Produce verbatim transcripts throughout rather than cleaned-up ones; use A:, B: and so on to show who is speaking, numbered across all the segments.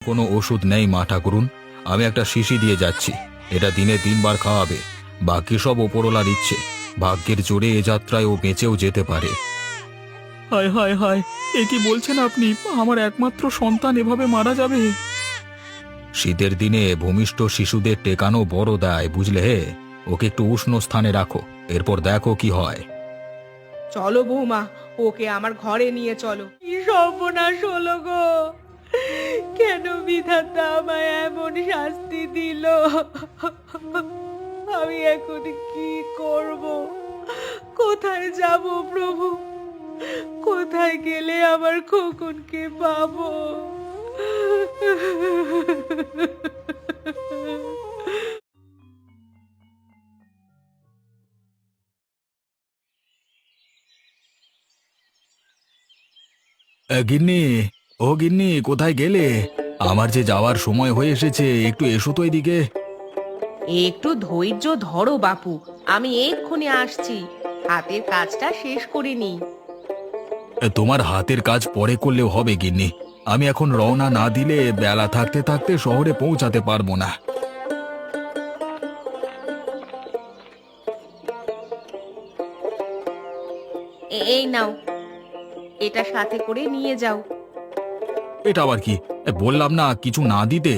A: কোনো ওষুধ নেই মা ঠাকুরুন। আমি একটা শিশি দিয়ে যাচ্ছি, এটা দিনে তিনবার খাওয়াবে। বাকি সব ওপরওয়ালার ইচ্ছে, ভাগ্যের জোরে এ যাত্রায় ও বেঁচেও যেতে পারে।
B: হায় হায় হায়, এ কি বলছেন আপনি? আমার একমাত্র সন্তান এভাবে মারা যাবে?
A: শীতের দিনে ভূমিষ্ঠ শিশুদের টেকানো বড় দায়, বুঝলে হে। ওকে একটু উষ্ণ স্থানে রাখো, এরপর দেখো কি হয়।
C: চলো বৌমা, ওকে আমার ঘরে নিয়ে চলো। কি সর্বনাশ হলো গো! কেন বিধাতা আমায় এমন শাস্তি দিল? আমি এখন কি করব? কোথায় যাব প্রভু? কোথায় গেলে আমার খোকনকে পাবো?
A: এ, গিন্নি, ও গিন্নি, কোথায় গেলে? আমার যে যাওয়ার সময় হয়ে এসেছে, একটু এসো তো এদিকে।
C: একটু ধৈর্য ধরো বাপু, আমি এক্ষুনি আসছি। হাতের কাজটা শেষ করে নিই।
A: এ, তোমার হাতের কাজ পরে করলেও হবে গিন্নি। আমি এখন রওনা না দিলে বেলা থাকতে থাকতে শহরে পৌঁছাতে পারবো না।
C: এ- এই নাও, এটা সাথে করে নিয়ে যাও।
A: এটা আবার কি? এ, বললাম না কিছু না দিতে।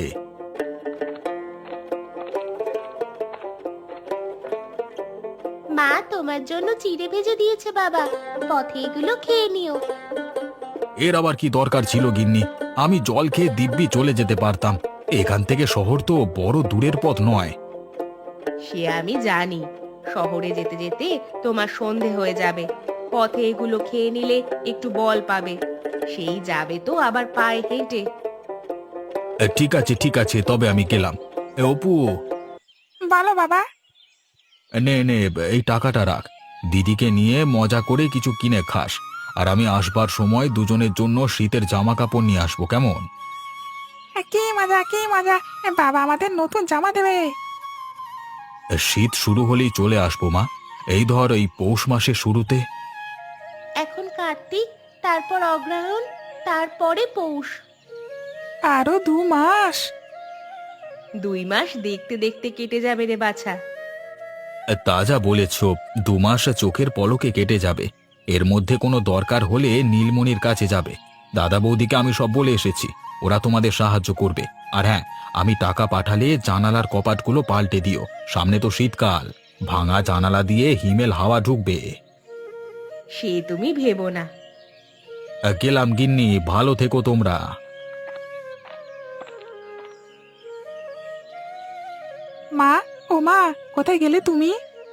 D: মা তোমার জন্য চিড়ে ভেজে দিয়েছে বাবা, পথে এগুলো খেয়ে নিও।
A: এর আবার কি দরকার ছিল গিন্নি? আমি জল খেয়ে দিব্যি চলে যেতে পারতাম। এখান থেকে শহর তো বড় দূরের পথ নয়।
C: সে আমি জানি, শহরে যেতে যেতে তোমার সন্ধে হয়ে যাবে। পথে এগুলো খেয়ে নিলে একটু বল পাবে। সেই যাবে তো আবার পায়ে হেঁটে।
A: এ, ঠিক আছে ঠিক আছে, তবে আমি গেলাম। এ, অপু,
B: বলো বাবা।
A: নে নে, এই টাকাটা রাখ। দিদিকে নিয়ে মজা করে কিছু কিনে খাস। আর আমি আসবার সময় দুজনের জন্য শীতের জামা কাপড় নিয়ে আসবো, কেমন?
B: কি মজা, কি মজা! বাবা আমাদের নতুন জামা দেবে।
A: এ, শীত শুরু হলেই চলে আসবো মা। এই ধর এই পৌষ মাসের শুরুতে।
D: এখন কার্তিক, তারপর অগ্রহায়ণ, তারপরে পৌষ।
B: আরো দু মাস।
C: দুই মাস দেখতে দেখতে কেটে যাবে রে বাছা।
A: এ, তা যা বলেছ, দু মাস চোখের পলকে কেটে যাবে। এর মধ্যে কোনো দরকার হলে নীলমণির কাছে যাবে। দাদা বৌদিকে আমি সব বলে এসেছি, ওরা তোমাদের সাহায্য করবে। আর হ্যাঁ, আমি টাকা পাঠালে জানালার কপাটগুলো পাল্টে দিও। সামনে তো শীতকাল, ভাঙা জানালা দিয়ে হিমেল হাওয়া ঢুকবে।
C: সে তুমি ভেবো না।
A: আ, গেলাম গিন্নি, ভালো থেকো তোমরা।
B: মা, ও মা, কোথায় গেলে তুমি?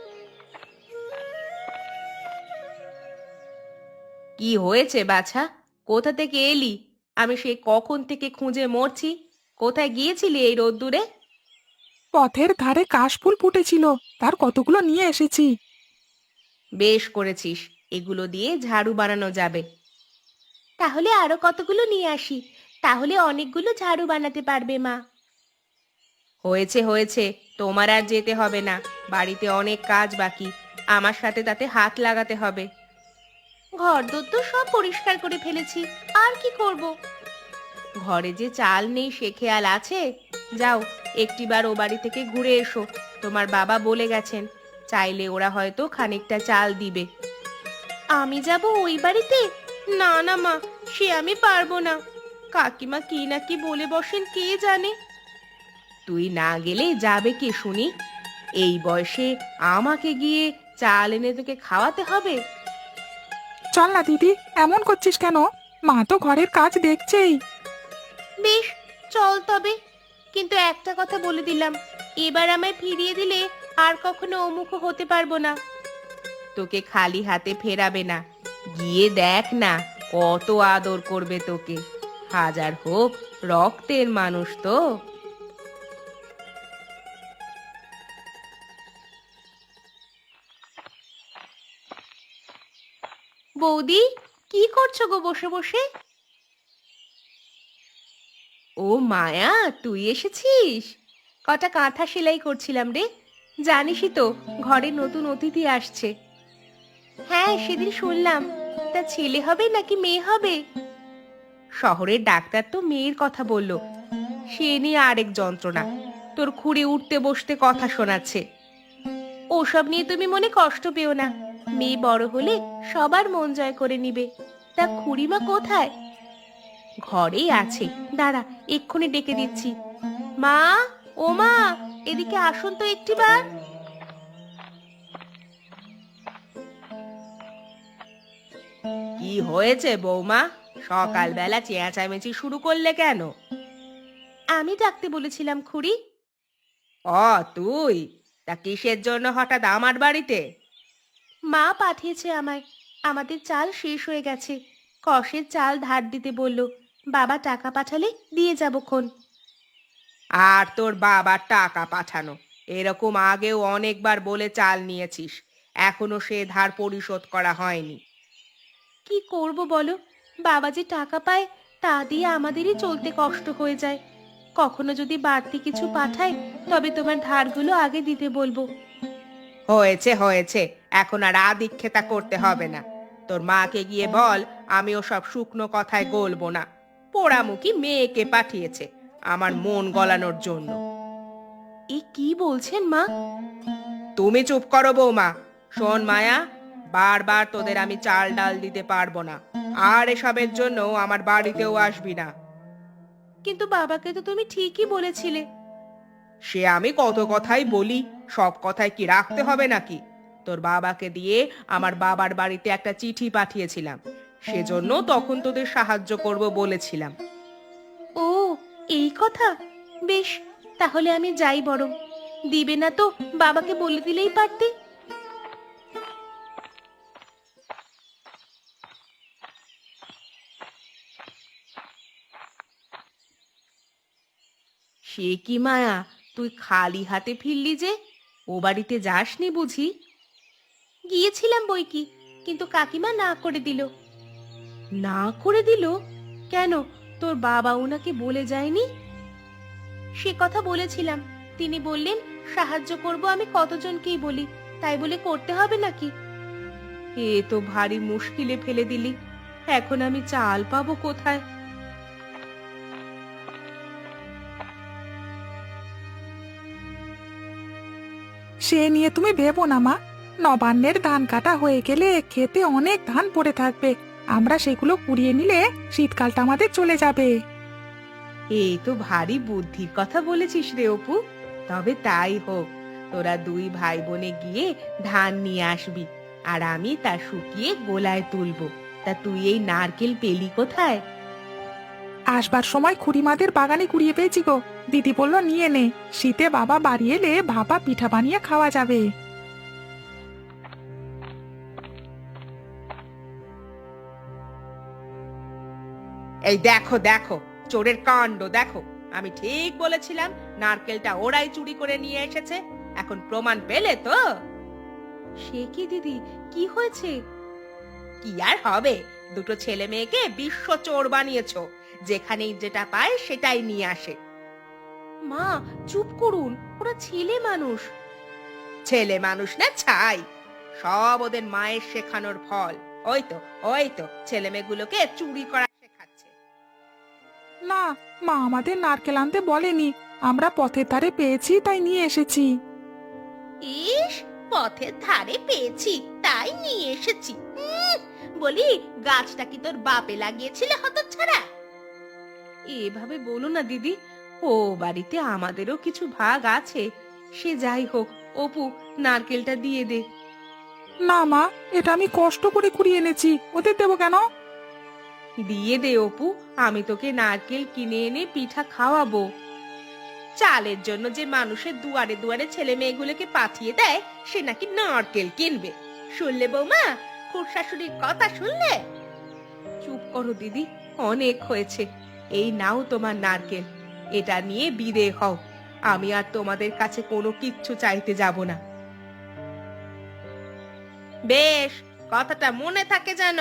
C: কি হয়েছে বাছা? কোথা থেকে এলি? আমি সেই কখন থেকে খুঁজে মরছি। কোথায় গিয়েছিলি এই রোদ্দুরে?
B: পথের ধারে কাশফুল ফুটেছিল, তার কতগুলো নিয়ে এসেছি।
C: বেশ করেছিস, এগুলো দিয়ে ঝাড়ু বানানো যাবে।
D: তাহলে আরো কতগুলো নিয়ে আসি, তাহলে অনেকগুলো ঝাড়ু বানাতে পারবে মা।
C: হয়েছে হয়েছে, তোমার আর যেতে হবে না। বাড়িতে অনেক কাজ বাকি, আমার সাথে তাতে হাত লাগাতে হবে।
D: ঘরদোর তো সব পরিষ্কার করে ফেলেছি, আর কি করব?
C: ঘরে যে চাল নেই সে খেয়াল আছে? যাও, একটিবার ও বাড়ি থেকে ঘুরে এসো। তোমার বাবা বলে গেছেন, চাইলে ওরা হয়তো খানিকটা চাল দিবে।
D: আমি যাব ওই বাড়িতে? না না মা, সে আমি পারবো না।
C: কাকিমা কি না কি বলে বসেন কে জানে। তুই না গেলে যাবে কে শুনি? এই বয়সে আমাকে গিয়ে চাল এনে তোকে খাওয়াতে হবে?
B: চল না দিদি, এমন করছিস কেন? মা তো ঘরের কাজ দেখছেই।
D: বেশ, চল তবে। কিন্তু একটা কথা বলে দিলাম, এবার আমায় ফিরিয়ে দিলে আর কখনো অমুখ হতে পারবো না।
C: তোকে খালি হাতে ফেরাবে না। গিয়ে দেখ না কত আদর করবে তোকে। হাজার হোক রক্তের মানুষ তো।
D: বৌদি, কি করছো গো বসে বসে?
C: ও মায়া, তুই এসেছিস? কটা কাঁথা সেলাই করছিলাম রে। জানিসই তো, ঘরে নতুন অতিথি আসছে।
D: হ্যাঁ, সেদিন শুনলাম। তা ছেলে হবে নাকি মেয়ে হবে?
C: শহরের ডাক্তার তো মেয়ের কথা বলল, সে নিয়ে আরেক যন্ত্রণা। তোর খুঁড়ি উঠতে বসতে কথা শোনাচ্ছে।
D: ওসব নিয়ে তুমি মনে কষ্ট পেও না, মেয়ে বড় হলে সবার মন জয় করে নিবে। তা খুড়িমা কোথায়?
C: ঘরেই আছে, দাঁড়া এক্ষুনি ডেকে দিচ্ছি।
D: মা, ও মা, এদিকে আসুন তো একটিবার।
C: কি হয়েছে বৌমা, সকালবেলা চেঁচামেচি শুরু করলে কেন?
D: আমি ডাকতে বলেছিলাম খুড়ি।
C: ও তুই, তা কিসের জন্য হঠাৎ আমার বাড়িতে?
D: মা পাঠিয়েছে আমায়, আমাদের চাল শেষ হয়ে গেছে, কষের চাল ধার দিতে বলল। বাবা টাকা পাঠালে দিয়ে যাবক্ষণ।
C: আর তোর বাবার টাকা পাঠানো, এরকম আগেও অনেকবার বলে চাল নিয়েছিস, এখনো সে ধার পরিশোধ করা হয়নি।
D: কি করব বলো, বাবা যে টাকা পায় তা দিয়ে আমাদেরই চলতে কষ্ট হয়ে যায়। কখনো যদি বাড়তি কিছু পাঠায় তবে তোমার ধারগুলো আগে দিতে বলবো।
C: হয়েছে হয়েছে, এখন আর আদিক্ষেতা করতে হবে না। তোর মাকে গিয়ে বল আমি ওসব শুকনো কথায় গলবো না। পোড়ামুখী মেয়েকে পাঠিয়েছে আমার মন গলানোর জন্য।
D: এ কি বলছেন মা?
C: তুমি চুপ করো বৌমা। শোন মায়া, বারবার তোদের আমি চাল ডাল দিতে পারবো না, আর এসবের জন্য আমার বাড়িতেও আসবি না।
D: কিন্তু বাবাকে তো তুমি ঠিকই বলেছিলে।
C: সে আমি কত কথাই বলি, সব কথায় কি রাখতে হবে নাকি? তোর বাবাকে দিয়ে আমার বাবার বাড়িতে একটা চিঠি পাঠিয়েছিলাম, সেজন্য তখন তোদের সাহায্য করব বলেছিলাম।
D: ও, এই কথা। বেশ, তাহলে আমি যাই বরং। দিবে না তো বাবাকে বলে দিলেই পারতে।
C: সে কি মায়া, তুই খালি হাতে ফিরলি যে? ও বাড়িতে যাসনি বুঝি?
D: গিয়েছিলাম বই কি, কিন্তু কাকিমা না করে দিল।
C: না করে দিল? কেন, তোর বাবা ওনাকে বলে যায়নি?
D: সে কথা বলেছিলাম, তিনি বললেন সাহায্য করব আমি কতজনকেই বলি, তাই বলে করতে হবে নাকি?
C: এ তো ভারী মুশকিলে ফেলে দিলি, এখন আমি চাল পাবো কোথায়?
E: সে নিয়ে তুমি ভেবো না মা, নবান্নের ধান কাটা হয়ে গেলে খেতে অনেক ধান পড়ে থাকবে, আমরা সেগুলো কুড়িয়ে নিলে শীতকালটা আমাদের চলে যাবে।
C: এই তো ভারী বুদ্ধির কথা বলেছিস রে অপু। তবে তাই হোক, তোরা দুই ভাই বোনে গিয়ে ধান নিয়ে আসবি, আর আমি তা শুকিয়ে গোলায় তুলবো। তা তুই এই নারকেল পেলি কোথায়?
E: আসবার সময় খুড়িমাদের বাগানে কুড়িয়ে পেয়েছি গো, দিদি বলল নিয়ে নে, শীতে বাবা বাড়ি এলে ভাপা পিঠা বানিয়ে খাওয়া যাবে।
C: এই দেখো দেখো, চোরের কাণ্ড দেখো। আমি ঠিক বলেছিলাম নারকেলটা ওরাই চুরি করে নিয়ে এসেছে, এখন প্রমাণ পেলে তো?
D: সে কি দিদি, কি হয়েছে?
C: কি আর হবে, দুটো ছেলে মেয়েকে বিশ্ব চোর বানিয়েছো, যেখানেই যেটা পায় সেটাই নিয়ে আসে।
D: মা চুপ করুন, ওরা ছেলে মানুষ।
C: ছেলে মানুষ না ছাই, সব ওদের মায়ের শেখানোর ফল। ওই তো ওই তো ছেলে মেয়েগুলোকে চুরি করা শেখাচ্ছে।
E: না, মা আমাদের নারকেল আনতে বলেনি, আমরা পথের ধারে পেয়েছি তাই নিয়ে এসেছি।
D: ইস, পথের ধারে পেয়েছি তাই নিয়ে এসেছি। উম, বলি গাছটা কি তোর বাপে লাগিয়েছিলে হতচ্ছাড়া?
C: এভাবে বলো না দিদি, ও বাড়িতে আমাদেরও কিছু ভাগ আছে। সে যাই হোক, অপু নারকেলটা দিয়ে দে।
E: না মা, এটা আমি কষ্ট করে কুড়িয়ে এনেছি, ওদের দেবো কেন?
C: দিয়ে দে অপু, আমি তোকে নারকেল কিনে এনে পিঠা খাওয়াবো। চালের জন্য যে মানুষের দুয়ারে দুয়ারে ছেলে মেয়েগুলোকে পাঠিয়ে দেয়, সে নাকি নারকেল কিনবে। শুনলে বৌমা, খুব শাশুড়ির কথা শুনলে? চুপ করো দিদি, অনেক হয়েছে। এই নাও তোমার নারকেল, এটা নিয়ে বিদেয় হও। আমি আর তোমাদের কাছে কোনো কিচ্ছু চাইতে যাব না। বেশ, কথাটা মনে থাকে যেন।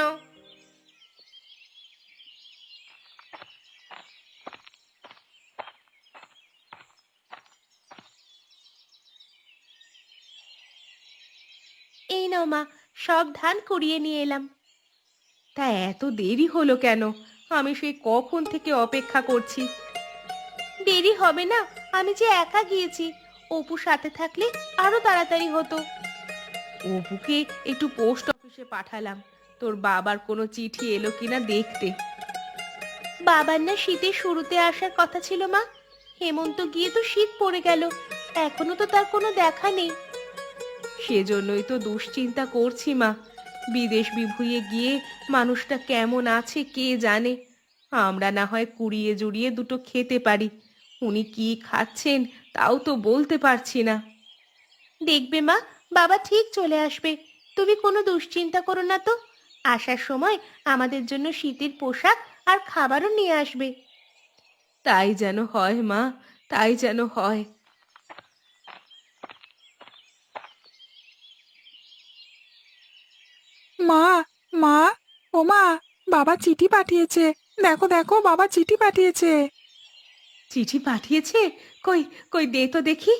D: এই নাও মা, সব ধান কুড়িয়ে নিয়ে এলাম।
C: তা এত দেরি হলো কেন? আমি সেই কখন থেকে অপেক্ষা করছি।
D: দেরি হবে না, আমি যে একা গিয়েছি, অপু সাথে থাকলে আরো তাড়াতাড়ি হতো।
C: অপুকে একটু পোস্ট অফিসে পাঠালাম, তোর বাবার কোনো চিঠি এলো কিনা দেখতে।
D: বাবার না শীতের শুরুতে আসার কথা ছিল মা, হেমন্ত গিয়ে তো শীত পড়ে গেল, এখনো তো তার কোনো দেখা নেই।
C: সেজন্যই তো দুশ্চিন্তা করছি মা, বিদেশ বিভুঁইয়ে গিয়ে মানুষটা কেমন আছে কে জানে। আমরা না হয় কুড়িয়ে জুড়িয়ে দুটো খেতে পারি, উনি কি খাচ্ছেন তাও তো বলতে পারছি না।
D: দেখবে মা, বাবা ঠিক চলে আসবে, তুমি কোনো দুশ্চিন্তা করো না তো। আসার সময় আমাদের জন্য শীতের পোশাক আর খাবারও নিয়ে আসবে।
C: তাই যেন হয় মা, তাই যেন হয়।
E: মা, মা, ও মা, বাবা চিঠি পাঠিয়েছে। দেখো দেখো, বাবা চিঠি পাঠিয়েছে।
C: চিঠি পাঠিয়েছে? কই কই দে তো দেখি।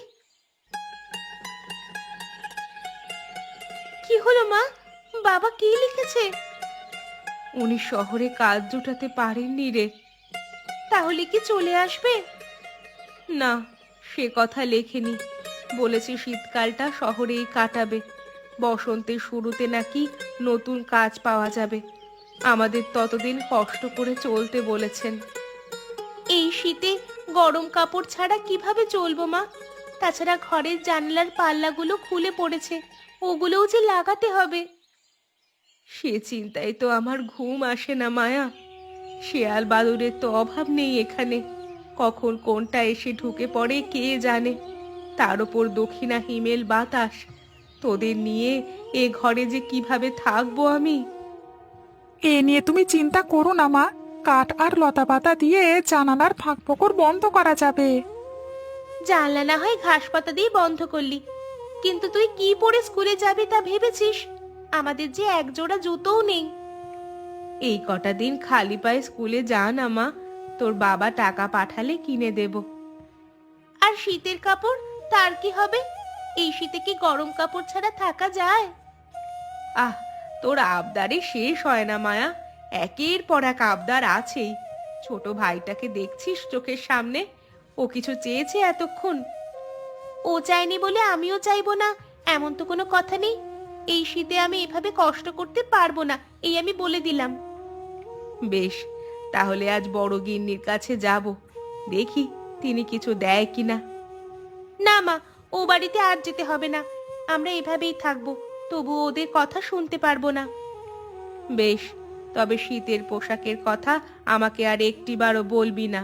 D: কি হলো মা, বাবা কি লিখেছে?
C: উনি শহরে কাজ জোটাতে পারেননি রে।
D: তাহলে কি চলে আসবে?
C: না, সে কথা লেখেনি, বলেছে শীতকালটা শহরেই কাটাবে, বসন্তের শুরুতে নাকি নতুন কাজ পাওয়া যাবে, আমাদের ততদিন কষ্ট করে চলতে বলেছেন।
D: এই শীতে গরম কাপড় ছাড়া কিভাবে চলবো মা? তাছাড়া ঘরের জানলার পাল্লাগুলো খুলে পড়েছে, ওগুলোও যে লাগাতে হবে।
C: সে চিন্তায় তো আমার ঘুম আসে না মায়া। শেয়াল বাদুড়ের তো অভাব নেই এখানে, কখন কোনটা এসে ঢুকে পড়ে কে জানে। তার ওপর দক্ষিণা হিমেল বাতাস, তোদের নিয়ে এ ঘরে যে কিভাবে থাকবো আমি।
E: এ নিয়ে তুমি চিন্তা করো না মা, কাঠ আর লতা পাতা দিয়ে জানালার ফাঁক ফোকর বন্ধ করা যাবে।
D: জানলা না হয় ঘাস পাতা দিয়ে বন্ধ করলি, কিন্তু তুই কি পরে স্কুলে যাবি তা ভেবেছিস? আমাদের যে এক জোড়া জুতোও নেই।
C: এই কটা দিন খালি পায়ে স্কুলে যা না মা, তোর বাবা টাকা পাঠালে কিনে দেব।
D: আর শীতের কাপড়, তার কি হবে? এই শীতে কি গরম কাপড় ছাড়া থাকা যায়?
C: আহ, তোর আবদারে শেষ হয় না মায়া, একের পর এক আবদার আছেই। ছোট ভাইটাকে দেখছিস চোখের সামনে, ও কিছু চেয়েছে এতক্ষণ?
D: ও চায়নি বলে আমিও চাইবো না, এমন তো কোনো কথা নেই। এই শীতে আমি এভাবে কষ্ট করতে পারবো না, এই আমি বলে দিলাম।
C: বেশ, তাহলে আজ বড় গিন্নির কাছে যাব, দেখি তিনি কিছু দেয় কিনা।
D: না মা, ও বাড়িতে আর যেতে হবে না, আমরা এভাবেই থাকবো, তবু ওদের কথা শুনতে পারবো না।
C: বেশ, তবে শীতের পোশাকের কথা আমাকে আর একটিবারও বলবি না।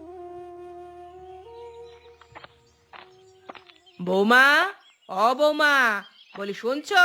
C: বৌমা, ও বৌমা, বলি শুনছো?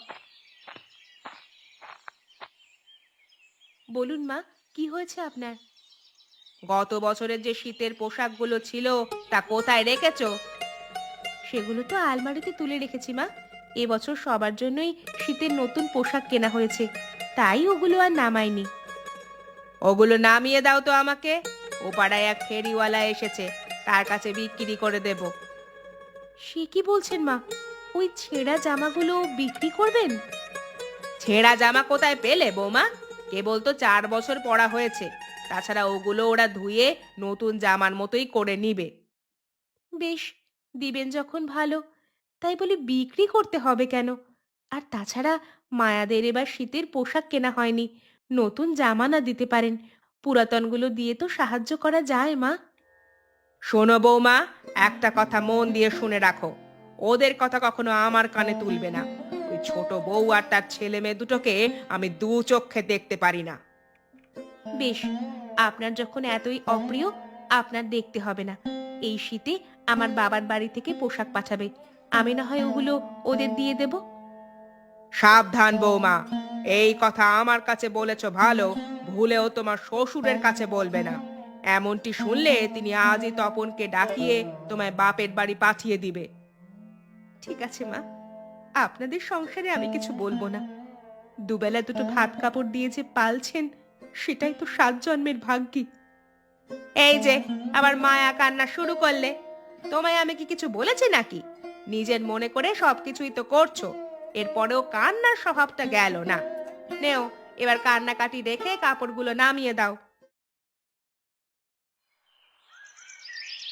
D: বলুন মা, কি হয়েছে আপনার?
C: গত বছরের যে শীতের পোশাকগুলো ছিল তা কোথায় রেখেছো?
D: সেগুলো তো আলমারিতে তুলে রেখেছি মা, এবছর সবার জন্যই শীতের নতুন পোশাক কেনা হয়েছে, তাই ওগুলো আর নামাইনি।
C: ওগুলো নামিয়ে দাও তো আমাকে, ও পাড়ায় এক ফেরিওয়ালা এসেছে, তার কাছে বিক্রি করে দেব।
D: সে কি বলছেন মা, ওই ছেঁড়া জামাগুলো বিক্রি করবেন?
C: ছেঁড়া জামা কোথায় পেলে বৌমা? কেবল তো চার বছর পরা হয়েছে, তাছাড়া ওগুলো ওরা ধুয়ে নতুন জামার মতোই করে নিবে।
D: বেশ, দিবেন যখন ভালো, তাই বলে বিক্রি করতে হবে কেন? আর তাছাড়া মায়াদের এবার শীতের পোশাক কেনা হয়নি, নতুন জামা না দিতে পারেন, পুরাতনগুলো দিয়ে তো সাহায্য করা যায় মা।
C: শোনো বৌমা, একটা কথা মন দিয়ে শুনে রাখো, ওদের কথা কখনো আমার কানে তুলবে না। ওই ছোট বউ আর তার ছেলে মেয়ে দুটোকে আমি দু চোখে দেখতে পারি না।
D: বেশ, আপনার যখন এতই অপ্রিয়, আপনার দেখতে হবে না। এই শীতে আমার বাবার বাড়ি থেকে পোশাক পাঠাবে, আমি না হয় ওগুলো ওদের দিয়ে দেব।
C: সাবধান বৌমা, এই কথা আমার কাছে বলেছ ভালো, ভুলেও তোমার শ্বশুরের কাছে বলবে না। এমনটি শুনলে তিনি আজই তপনকে ডাকিয়ে তোমায় বাপের বাড়ি পাঠিয়ে দিবে। ঠিক আছে মা, আপনাদের সংসারে আমি কিছু বলবো না। দুবেলা দুটো ভাত কাপড় দিয়ে যে পালছেন, সেটাই তো সাত জন্মের ভাগ্যি। এই যে আবার মায়া কান্না শুরু করলে, তোমায় আমি কি কিছু বলেছি নাকি? নিজের মনে করে সবকিছুই তো করছো, এরপরেও কান্নার স্বভাবটা গেল না। নেও, এবার কান্নাকাটি রেখে কাপড়গুলো নামিয়ে দাও।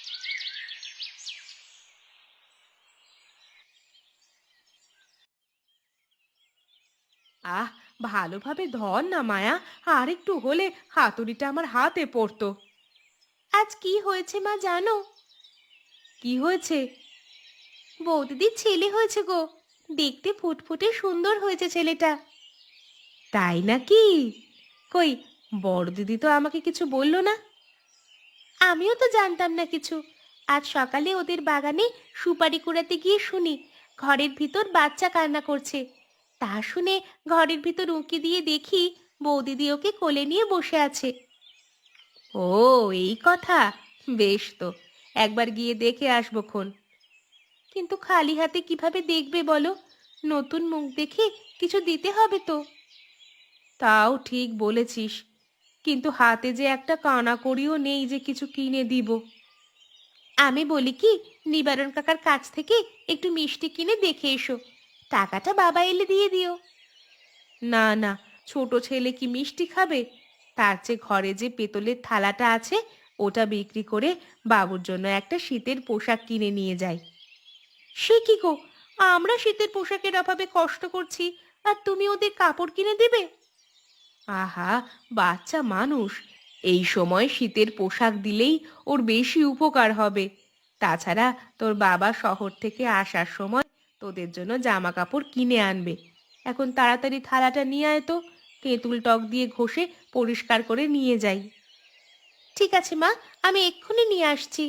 D: আহ ভালোভাবে ধর না মায়া, আর একটু হলে হাতুড়িটা আমার হাতে পড়তো। আজ কি হয়েছে মা জানো? কি হয়েছে? বৌদিদির ছেলে হয়েছে গো, দেখতে ফুটফুটে সুন্দর হয়েছে ছেলেটা। তাই নাকি? কই বড় দিদি তো আমাকে কিছু বললো না। আমিও তো জানতাম না কিছু। আজ সকালে ওদের বাগানে সুপারি কুড়াতে গিয়ে শুনি ঘরের ভিতর বাচ্চা কান্না করছে। তা শুনে ঘরের ভিতর উঁকি দিয়ে দেখি বৌদিদি ওকে কোলে নিয়ে বসে আছে। ও এই কথা, বেশ তো, একবার গিয়ে দেখে আসবো খন। কিন্তু খালি হাতে কিভাবে দেখবে বলো? নতুন মুখ দেখে কিছু দিতে হবে তো। তাও ঠিক বলেছিস, কিন্তু হাতে যে একটা কানাকড়িও নেই যে কিছু কিনে দিব। আমি বলি কি, নিবারণ কাকার কাছ থেকে একটু মিষ্টি কিনে দেখে এসো, টাকাটা বাবা এলে দিয়ে দিও। না না, ছোট ছেলে কি মিষ্টি খাবে? তার চেয়ে ঘরে যে পেতলের থালাটা আছে ওটা বিক্রি করে বাবুর জন্য একটা শীতের পোশাক কিনে নিয়ে যাই। সে কি গো, আমরা শীতের পোশাকের অভাবে কষ্ট করছি আর তুমি ওদের কাপড় কিনে দেবে? আহা, বাচ্চা মানুষ, এই সময় শীতের পোশাক দিলেই ওর বেশি উপকার হবে। তাছাড়া তোর বাবা শহর থেকে আসার সময় তোদের জন্য জামা কাপড় কিনে আনবে। এখন তাড়াতাড়ি থালাটা নিয়ে আয় তো, তেঁতুল টক দিয়ে ঘষে পরিষ্কার করে নিয়ে যাই। ঠিক আছে মা, আমি এক্ষুনি নিয়ে আসছি।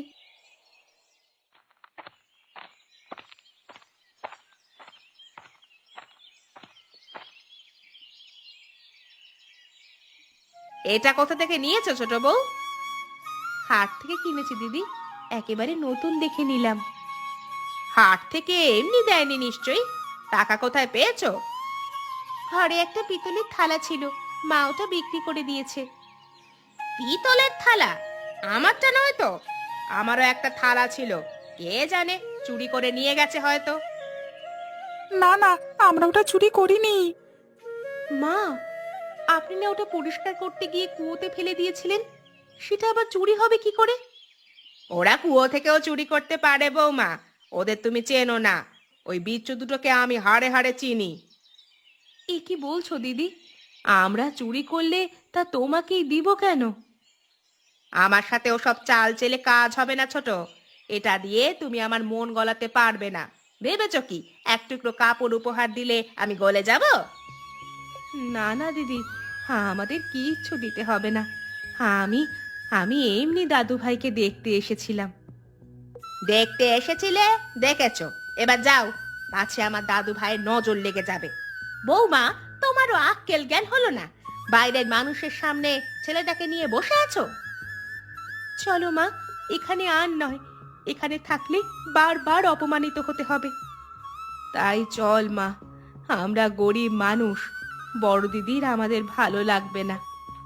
C: এটা কোথা থেকে নিয়েছো ছোট বউ?
D: হাট থেকে কিনেছি দিদি, একেবারে নতুন দেখে নিলাম।
C: হাট থেকে এমনি দেয়নি নিশ্চয়ই, টাকা কোথায় পেয়েছো?
D: ঘরে একটা পিতলের থালা ছিল, মা ওটা বিক্রি করে দিয়েছে।
C: পিতলের থালা? আমারটা নয় তো? আমারও একটা থালা ছিল, কে জানে চুরি করে নিয়ে গেছে হয়তো।
E: না না, আমরা ওটা চুরি করিনি।
D: মা, আপনি না ওটা পরিষ্কার করতে গিয়ে কুয়োতে ফেলে দিয়েছিলেন, সেটা আবার চুরি হবে কি করে?
C: ওরা কুয়ো থেকেও চুরি করতে পারে বৌমা, ওদের তুমি চেনো না। ওই বিচ্ছু দুটোকে আমি হাড়ে হাড়ে চিনি।
D: এ কি বলছো দিদি? আমরা চুরি করলে তা তোমাকেই দিব কেন?
C: আমার সাথে ওসব চাল চেলে কাজ হবে না ছোট। এটা দিয়ে তুমি আমার মন গলাতে পারবে না। ভেবেছ কি এক টুকরো কাপড় উপহার দিলে আমি গলে যাব?
D: না না দিদি, হ্যাঁ আমাদের কিচ্ছু দিতে হবে না। হ্যাঁ আমি আমি এমনি দাদু ভাইকে দেখতে এসেছিলাম।
C: দেখতে এসেছিলে, দেখেছো, এবার যাও, পাছে আমার দাদু ভাইয়ের নজর লেগে যাবে। বৌমা, তোমারও আক্কেল জ্ঞান হলো না? বাইরের মানুষের সামনে ছেলেটাকে নিয়ে বসে আছো।
D: চলো মা, এখানে আর নয়, এখানে থাকলে বারবার অপমানিত হতে হবে। তাই চল মা, আমরা গরিব মানুষ, বড় দিদির আমাদের ভালো লাগবে না।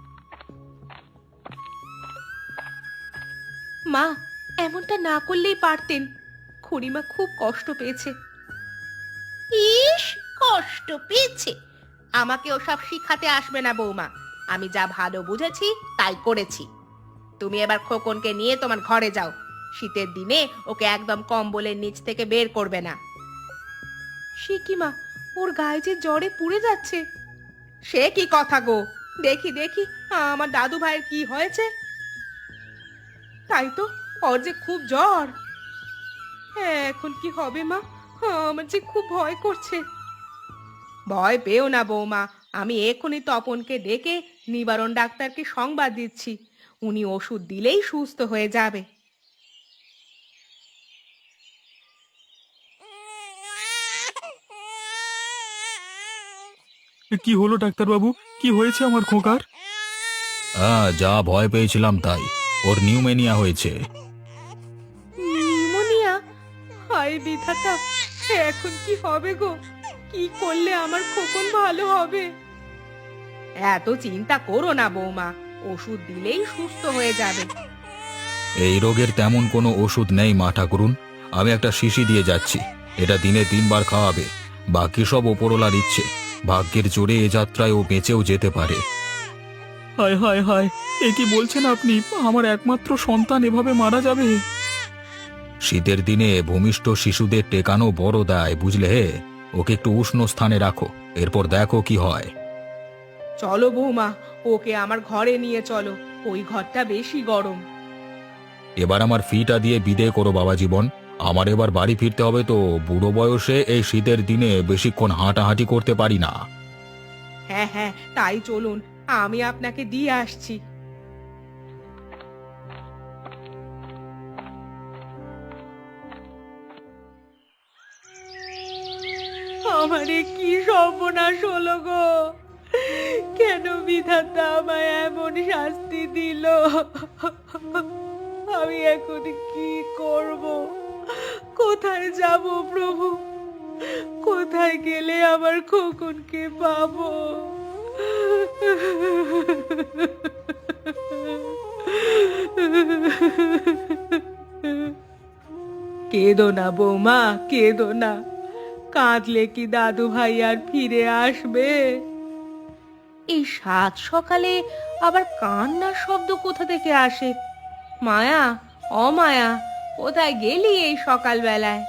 D: মা, এমনটা না করলেই পারতেন, খুড়িমা খুব কষ্ট পেয়েছে।
C: ইস, কষ্ট পেয়েছে? আমাকে ওসব শিখাতে আসবে না বৌমা, আমি যা ভালো বুঝেছি তাই করেছি। তুমি এবার খোকনকে নিয়ে তোমার ঘরে যাও। শীতের দিনে ওকে একদম কম্বলের নিচ থেকে বের করবে না।
D: সে কি মা, ওর গায়ে যে জ্বরে পুড়ে যাচ্ছে।
C: সে কি কথা গো, দেখি দেখি আমার দাদু ভাইয়ের কি হয়েছে।
D: তাই তো, ওর যে খুব জ্বর। হ্যাঁ, এখন কি হবে মা? আমার যে খুব ভয় করছে।
C: ভয় পেও না বৌমা, আমি এখনই তপনকে ডেকে নিবারণ ডাক্তারকে সংবাদ দিচ্ছি। উনি ওষুধ দিলেই সুস্থ হয়ে যাবে।
B: কি হলো ডাক্তারবাবু, কি হয়েছে আমার খোকার?
A: হ্যাঁ, যা ভয় পেয়েছিলাম তাই, ওর নিউমেনিয়া হয়েছে।
D: নিউমোনিয়া? হায় বিধাতা, এখন কি হবে গো? কি করলে আমার খোকন ভালো হবে?
C: এত চিন্তা করো না বৌমা, ওষুধ দিলেই সুস্থ হয়ে যাবে।
A: এই রোগের তেমন কোনো ওষুধ নেই মা ঠাকুরুন। আমি একটা শিশি দিয়ে যাচ্ছি, এটা দিনে তিনবার খাওয়াবে। বাকি সব ওপরওয়ালার ইচ্ছে, ভাগ্যের জোরে এ যাত্রায় ও বেঁচেও যেতে পারে।
B: হায় হায় হায়, এ কি বলছেন আপনি? আমার একমাত্র সন্তান এভাবে মারা যাবে?
A: শীতের দিনে ভূমিষ্ঠ শিশুদের টেকানো বড় দায়, বুঝলে হে। ওকে একটু উষ্ণ স্থানে রাখো, এরপর দেখো কি হয়।
C: চলো বৌমা, ওকে আমার ঘরে নিয়ে চলো, ওই ঘরটা বেশি গরম।
A: এবার আমার ফিটা দিয়ে বিদেয় করো বাবা জীবন। আমার এবার বাড়ি ফিরতে হবে তো, বুড়ো বয়সে এই শীতের দিনে বেশিক্ষণ হাঁটাহাঁটি করতে পারি না।
C: হ্যাঁ হ্যাঁ, তাই চলুন, আমি আপনাকে দিয়ে আসছি। আমারে কি সর্বনাশ হলো গো! কেন বিধাতা আমায় এমন শাস্তি দিল? আমি এখন কি করব? কোথায় যাব প্রভু? কোথায় গেলে আমার খোকনকে পাবো? কেঁদো না বৌমা, কেঁদো না। কাঁদলে কি দাদু ভাই আর ফিরে আসবে?
D: এই সাত সকালে আবার কান্নার শব্দ কোথা থেকে আসে? মায়া, অমায়া, কোথায় গেলি এই সকালবেলায়?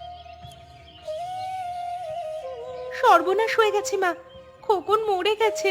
D: সর্বনাশ হয়ে গেছে মা, খোকন মরে গেছে।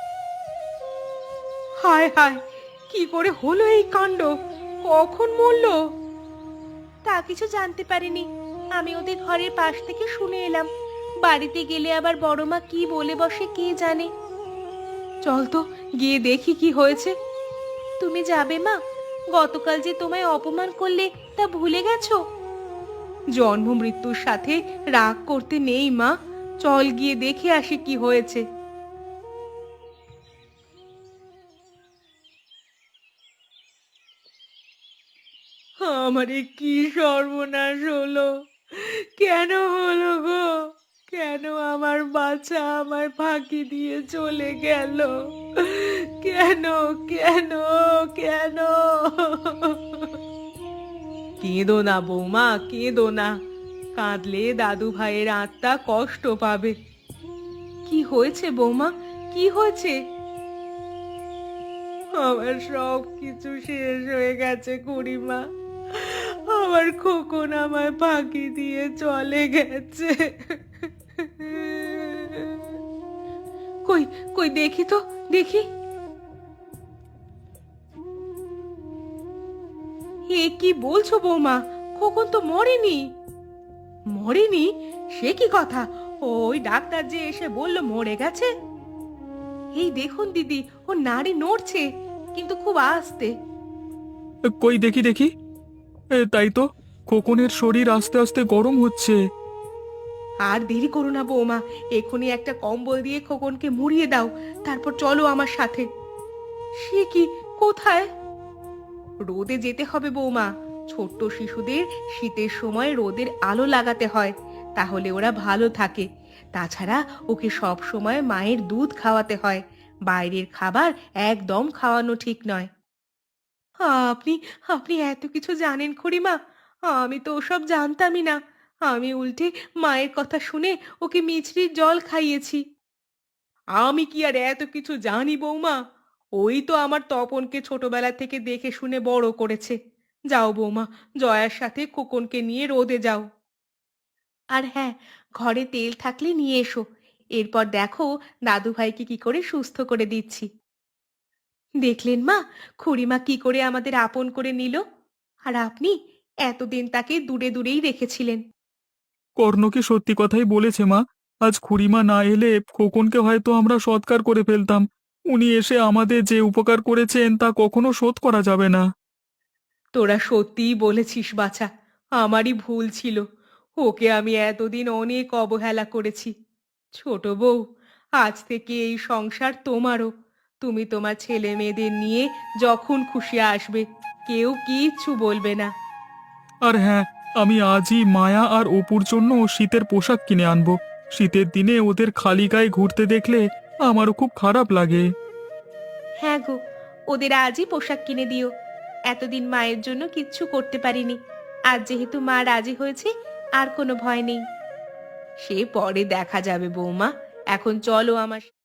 C: হায় হায়, কি করে হলো এই কাণ্ড? কখন মরলো?
D: তা কিছু জানতে পারিনি, আমি ওদের ঘরের পাশ থেকে শুনে এলাম। বাড়িতে গেলে আবার বড় মা কি বলে বসে কে জানে।
C: চল তো গিয়ে দেখি কি হয়েছে।
D: তুমি যাবে মা? গতকাল যে তোমায় অপমান করলে তা ভুলে গেছো?
C: জন্ম মৃত্যুর সাথে রাগ করতে নেই মা, চল গিয়ে দেখে আসি কি হয়েছে। আমারে কি সর্বনাশ হলো! কেন হলো গো? কেন আমার বাচ্চা আমায় ফাঁকি দিয়ে চলে গেল? কেন কেন কেন? কেঁদো না বৌমা, কেঁদো না। কাঁদলে দাদু ভাইয়ের আত্মা কষ্ট পাবে। কি হয়েছে বৌমা, কি হয়েছে? আমার সব কিছু শেষ হয়ে গেছে খুড়িমা। আমার খোকন আমায় ফাঁকি দিয়ে চলে গেছে। কই কই দেখি তো, দেখি। এ কি বলছো বৌমা? খোকন তো মরেনি। মরেনি? সে কি কথা? ওই ডাক্তার যে এসে বলল মরে গেছে। এই দেখুন দিদি, ও নাড়ি নড়ছে, কিন্তু খুব আস্তে।
B: কই দেখি দেখি। এ, তাই তো, খোকনের শরীর আস্তে আস্তে গরম হচ্ছে।
C: আর দেরি করো না বৌমা, এখনই একটা কম্বল দিয়ে খোকনকে মুড়িয়ে দাও, তারপর চলো আমার সাথে। সে কি, কোথায়? রোদে যেতে হবে বৌমা। ছোট্ট শিশুদের শীতের সময় রোদের আলো লাগাতে হয়, তাহলে ওরা ভালো থাকে। তাছাড়া ওকে সব সময় মায়ের দুধ খাওয়াতে হয়, বাইরের খাবার একদম খাওয়ানো ঠিক নয়। আপনি আপনি এত কিছু জানেন খুড়িমা? আমি তো ওসব জানতামই না। আমি উল্টে মায়ের কথা শুনে ওকে মিছরির জল খাইয়েছি। আমি কি আর এত কিছু জানি বৌমা? ওই তো আমার তপনকে ছোটবেলা থেকে দেখে শুনে বড় করেছে। যাও বৌমা, জয়ার সাথে খোকনকে নিয়ে রোদে যাও।
D: আর হ্যাঁ, ঘরে তেল থাকলে নিয়ে এসো। এরপর দেখো দাদু ভাইকে কি করে সুস্থ করে দিচ্ছি। দেখলেন মা, খুড়িমা কি করে আমাদের আপন করে নিল। আর আপনি এতদিন তাকে দূরে দূরেই রেখেছিলেন।
B: কর্ণ কি সত্যি কথাই বলেছে মা। আজ খুড়িমা না এলে খোকনকে হয়তো আমরা সৎকার করে ফেলতাম। উনি এসে আমাদের যে উপকার করেছেন তা কখনো শোধ করা যাবে না।
C: তোরা সত্যিই বলেছিস বাছা, আমারই ভুল ছিল। ওকে আমি এতদিন অনেক অবহেলা করেছি। ছোট বউ, আজ থেকে এই সংসার তোমারও। তুমি তোমার ছেলে মেয়েদের নিয়ে যখন খুশি আসবে, কেউ কিচ্ছু বলবে না।
B: আর হ্যাঁ, আমি আজই মায়া আর অপুর জন্য শীতের পোশাক কিনে আনবো। শীতের দিনে ওদের খালি গায়ে ঘুরতে দেখলে আমারও খুব খারাপ লাগে।
D: হ্যাঁ গো, ওদের আজই পোশাক কিনে দিও। এতদিন মায়ের জন্য কিচ্ছু করতে পারিনি, আজ যেহেতু মা রাজি হয়েছে আর কোনো ভয় নেই।
C: সে পরে দেখা যাবে বৌমা, এখন চলো আমার